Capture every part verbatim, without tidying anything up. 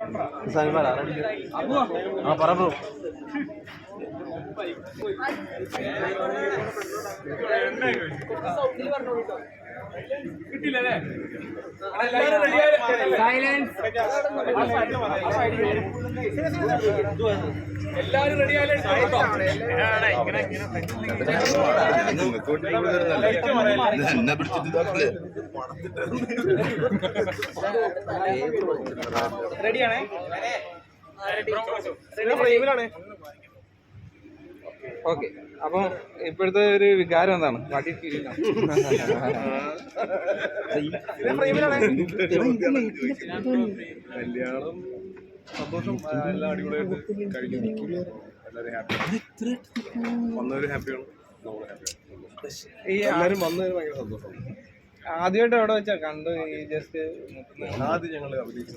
ആ പറ ബ്രോ. കിട്ടിയില്ലേ? എല്ലാരും റെഡിയായാലും റെഡിയാണേ. ഓക്കെ, അപ്പം ഇപ്പോഴത്തെ ഒരു വികാരം എന്താണ്? കല്യാണം സന്തോഷം, എല്ലാം അടിപൊളിയായിട്ട് കഴിഞ്ഞു. എല്ലാവരും ഹാപ്പി, വന്നവരും ഹാപ്പിയാണ്, നമ്മൾ ഹാപ്പിയാണ്. എല്ലാവരും വന്നതിന് ഭയങ്കര സന്തോഷം. ആദ്യമായിട്ട് എവിടെ വെച്ചാ കണ്ടു? ഈ ജസ്റ്റ് ആദ്യം ഞങ്ങൾ അഭിനയിച്ച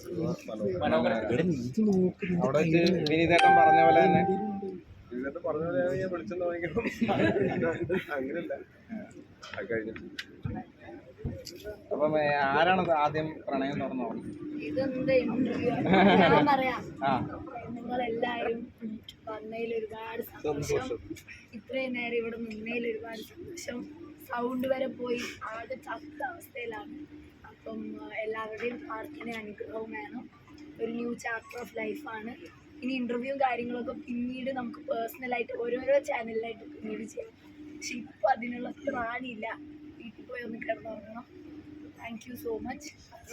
അവിടെ വെച്ച് വിനീതേട്ടൻ പറഞ്ഞ പോലെ തന്നെ ഇതിനകത്ത് പറഞ്ഞ പോലെ ഞാൻ വിളിച്ചെന്ന് വാങ്ങിക്കണം, അങ്ങനെയല്ല അത് കഴിഞ്ഞിട്ട്. അപ്പം ആരാണ് ആദ്യം പ്രണയം തുറന്നു? ഇതെന്താ ഇന്റർവ്യൂ? ഞാൻ പറയാം, നിങ്ങളെല്ലാവരും വന്നതിൽ ഒരുപാട് സന്തോഷം. ഇത്രയും നേരം ഇവിടെ നിന്നതിൽ ഒരുപാട് സന്തോഷം. സൗണ്ട് വരെ പോയി ആകെ ചത്ത അവസ്ഥയിലാണ്. അപ്പം എല്ലാവരുടെയും പ്രാർത്ഥന അനുഗ്രഹവും വേണം. ഒരു ന്യൂ ചാപ്റ്റർ ഓഫ് ലൈഫാണ്. ഇനി ഇൻ്റർവ്യൂവും കാര്യങ്ങളൊക്കെ പിന്നീട് നമുക്ക് പേഴ്സണലായിട്ട് ഓരോരോ ചാനലിലായിട്ട് പിന്നീട് ചെയ്യാം. പക്ഷെ ഇപ്പോൾ അതിനുള്ള ത്രാണിയില്ല. വീട്ടിൽ പോയി ഒന്ന് കിടന്നുറങ്ങണം. Thank you so much.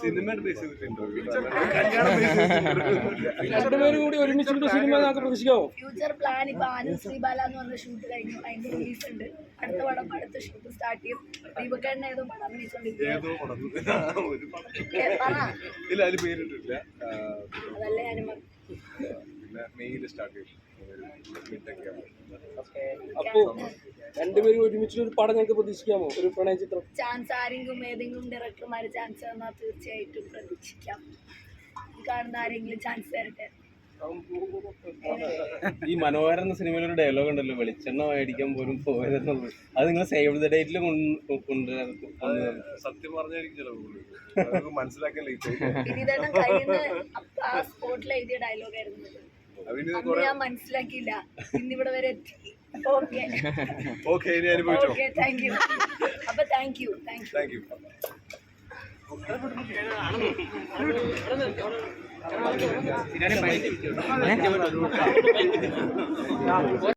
Future plan ഇപ്പൊ ആനന്ദ് ശ്രീബാല എന്ന് പറഞ്ഞ ഷൂട്ട് കഴിഞ്ഞു, അതിന്റെ റിലീസ് ഉണ്ട്. അടുത്ത പടം അടുത്ത ഷൂട്ട് സ്റ്റാർട്ട് ചെയ്യും. ദീപക്കേട്ടൻ ഏതോ പടം അഭിനയിച്ചോണ്ടിരിക്കും. അതല്ലേ ഞാനും അപ്പോ രണ്ടുപേരും ഒരുമിച്ച് ഒരു പടം ഞങ്ങൾക്ക് പ്രതീക്ഷിക്കാമോ? ഒരു പ്രണയ ചിത്രം? ചാൻസ് ആരെങ്കിലും ഏതെങ്കിലും ഡയറക്ടർമാര് ചാൻസ് തന്നാൽ തീർച്ചയായിട്ടും പ്രതീക്ഷിക്കാം. കാണുന്ന ആരെങ്കിലും ചാൻസ് തരട്ടെ. ഈ മനോഹരൻ എന്ന സിനിമയിൽ ഒരു ഡയലോഗ് ഉണ്ടല്ലോ, വെളിച്ചെണ്ണ മേടിക്കാൻ പോലും പോയതെന്നുള്ളത്. അത് നിങ്ങൾ സേവ് ദ ഡേറ്റിൽ കൊണ്ടുവരാൻ സത്യം പറഞ്ഞായിരിക്കും മനസ്സിലാക്കാൻ വിനീതേട്ടൻ കയ്യിൽ ആ സ്പോട്ടിൽ എഴുതിയ ഡയലോഗായിരുന്നു. ഞാൻ മനസ്സിലാക്കിയില്ല, ഇന്നിവിടെ വരെ എത്തി. Okay okay okay thank you. അപ്പൊ thank you thank you. Thank U.